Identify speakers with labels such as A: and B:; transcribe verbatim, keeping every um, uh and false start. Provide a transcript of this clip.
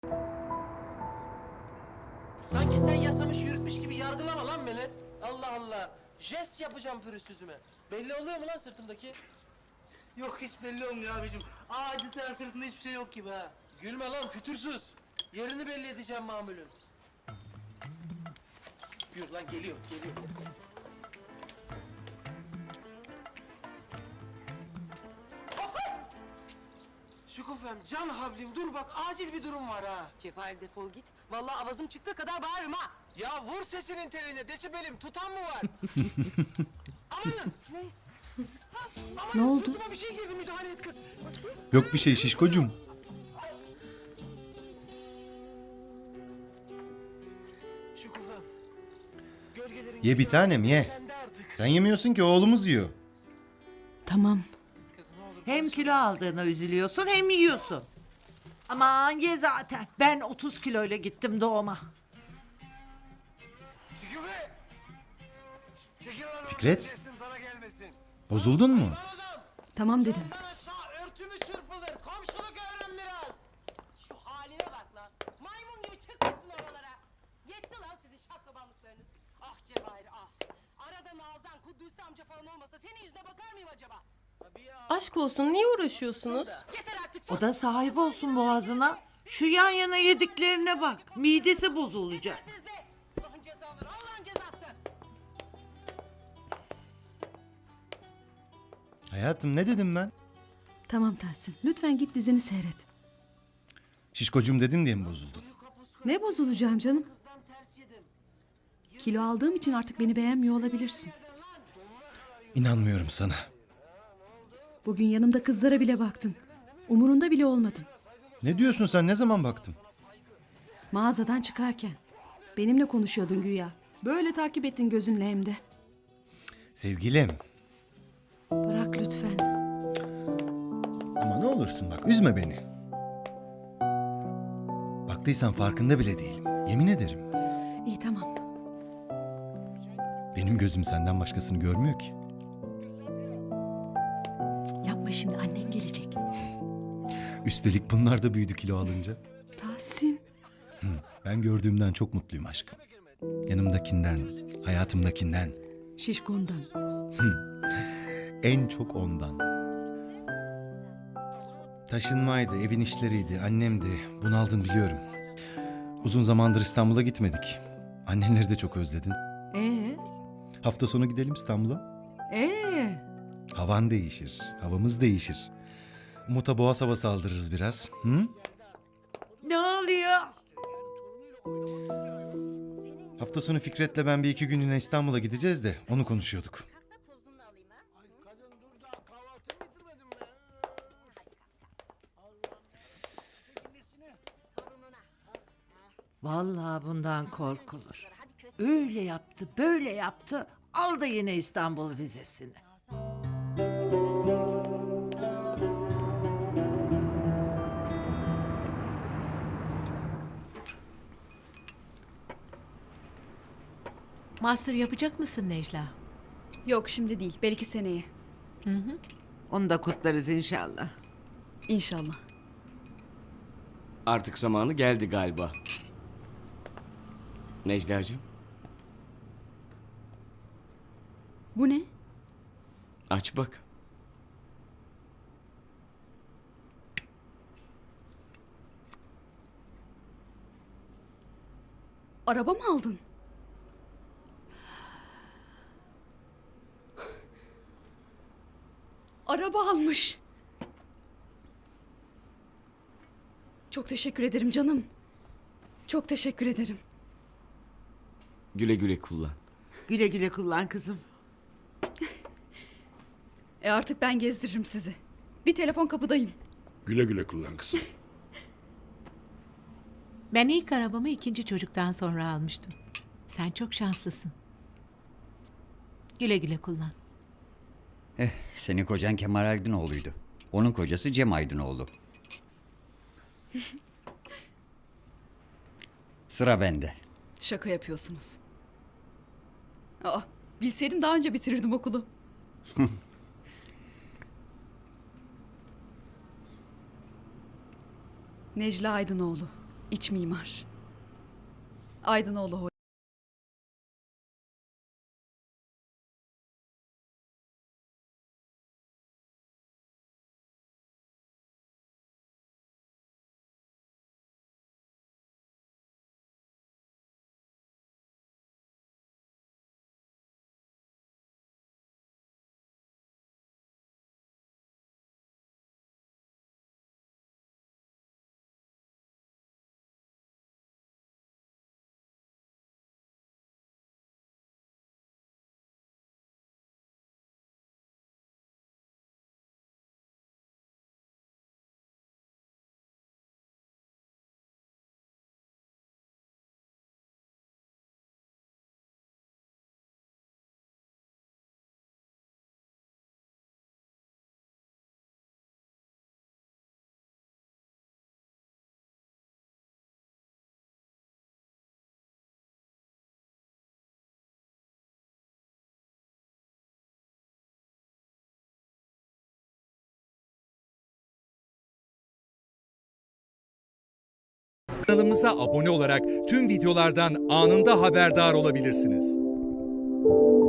A: Sanki sen yasamış yürütmüş gibi yargılama lan beni. Allah Allah. Jest yapacağım pürüzsüzüme. Belli oluyor mu lan sırtımdaki?
B: Yok hiç belli olmuyor abicim. Adeta sırtında hiçbir şey yok gibi ha.
A: Gülme lan fütursuz. Yerini belli edeceğim mamulün. Yürü lan geliyor geliyor. Şükufem, can havlim dur bak acil bir durum var ha.
C: Cevahir defol git. Vallahi avazım çıktığı kadar bağırırım ha.
A: Ya vur sesinin teline desibelim tutan mı var? Amanın. Ne? Ha, amanın,
D: Ne oldu?
A: Sırtıma bir şey girdi müdahale et kız.
E: Yok bir şey şişkocum.
A: Şükufem. Gölgelerin
E: Ye bir
A: gücü
E: tanem, ye.
A: sende artık.
E: Sen yemiyorsun ki oğlumuz yiyor.
D: Tamam.
A: Kız ne olur
F: Hem
A: barış-
F: kilo aldığına üzülüyorsun hem yiyorsun. Aman ye zaten. Ben otuz kiloyla gittim doğuma.
A: Şüküfe! Çekil lan oradan,
E: Fikret.
A: sesim sana gelmesin.
E: Bozuldun mu?
A: Lan adam!
D: Tamam dedim.
A: Sen aşağı örtümü çırpılır. Komşuluk öğren biraz.
C: Şu haline bak lan. Maymun gibi çıkmışsın oralara. Yetti lan sizin şaklabanlıklarınız. Ah Cevahir ah. Arada Nazan, Kudüs amca falan olmasa senin yüzüne bakar mıyım acaba?
G: Aşk olsun niye uğraşıyorsunuz?
C: Yeter artık.
F: O da sahip olsun boğazına. Şu yan yana yediklerine bak. Midesi bozulacak.
C: Siz de. Allah'ın cezaları, Allah'ın cezası.
E: Hayatım ne dedim ben?
D: Tamam Tahsin. Lütfen git dizini seyret.
E: Şişkocum dedim diye mi bozuldun?
D: Ne bozulacağım canım? Kilo aldığım için artık beni beğenmiyor olabilirsin.
E: İnanmıyorum sana.
D: Bugün yanımda kızlara bile baktın. Umurunda bile olmadım.
E: Ne diyorsun sen, ne zaman baktım?
D: Mağazadan çıkarken. Benimle konuşuyordun güya. Böyle takip ettin gözünle hem de.
E: Sevgilim.
D: Bırak lütfen.
E: Ama ne olursun bak, üzme beni. Baktıysan farkında bile değilim. Yemin ederim.
D: İyi tamam.
E: Benim gözüm senden başkasını görmüyor ki.
D: Yapma şimdi, annen gelecek.
E: Üstelik bunlar da büyüdü kilo alınca.
D: Tahsin.
E: Ben gördüğümden çok mutluyum aşkım. Yanımdakinden, hayatımdakinden.
D: Şişkondan.
E: En çok ondan. Taşınmaydı, evin işleriydi, annemdi. Bunaldın biliyorum. Uzun zamandır İstanbul'a gitmedik. Annenleri de çok özledin.
D: Ee?
E: Hafta sonu gidelim İstanbul'a.
D: Ee?
E: Havan değişir, havamız değişir. Umut'a boğaz havası aldırırız biraz. Hı?
F: Ne oluyor?
E: Hafta sonu Fikret'le ben bir iki günlüğüne İstanbul'a gideceğiz de onu konuşuyorduk.
F: Vallahi bundan korkulur. Öyle yaptı, böyle yaptı. Aldı yine İstanbul vizesini.
H: Master yapacak mısın Necla?
I: Yok şimdi değil, belki seneye.
F: Onu da kutlarız inşallah.
I: İnşallah.
J: Artık zamanı geldi galiba. Necla'cığım,
I: Bu ne?
J: aç bak.
I: Araba mı aldın? Araba almış. Çok teşekkür ederim canım. Çok teşekkür ederim.
J: Güle güle kullan.
F: Güle güle kullan kızım.
I: E artık ben gezdiririm sizi. Bir telefon kapıdayım.
K: Güle güle kullan kızım.
H: Ben ilk arabamı ikinci çocuktan sonra almıştım. Sen çok şanslısın. Güle güle kullan.
L: Eh, senin kocan Kemal Aydınoğlu'ydu. Onun kocası Cem Aydınoğlu. Sıra bende.
I: Şaka yapıyorsunuz. Aa, bilseydim daha önce bitirirdim okulu. Necla Aydınoğlu. İç mimar. Aydınoğlu Hoca.
K: Kanalımıza abone olarak tüm videolardan anında haberdar olabilirsiniz.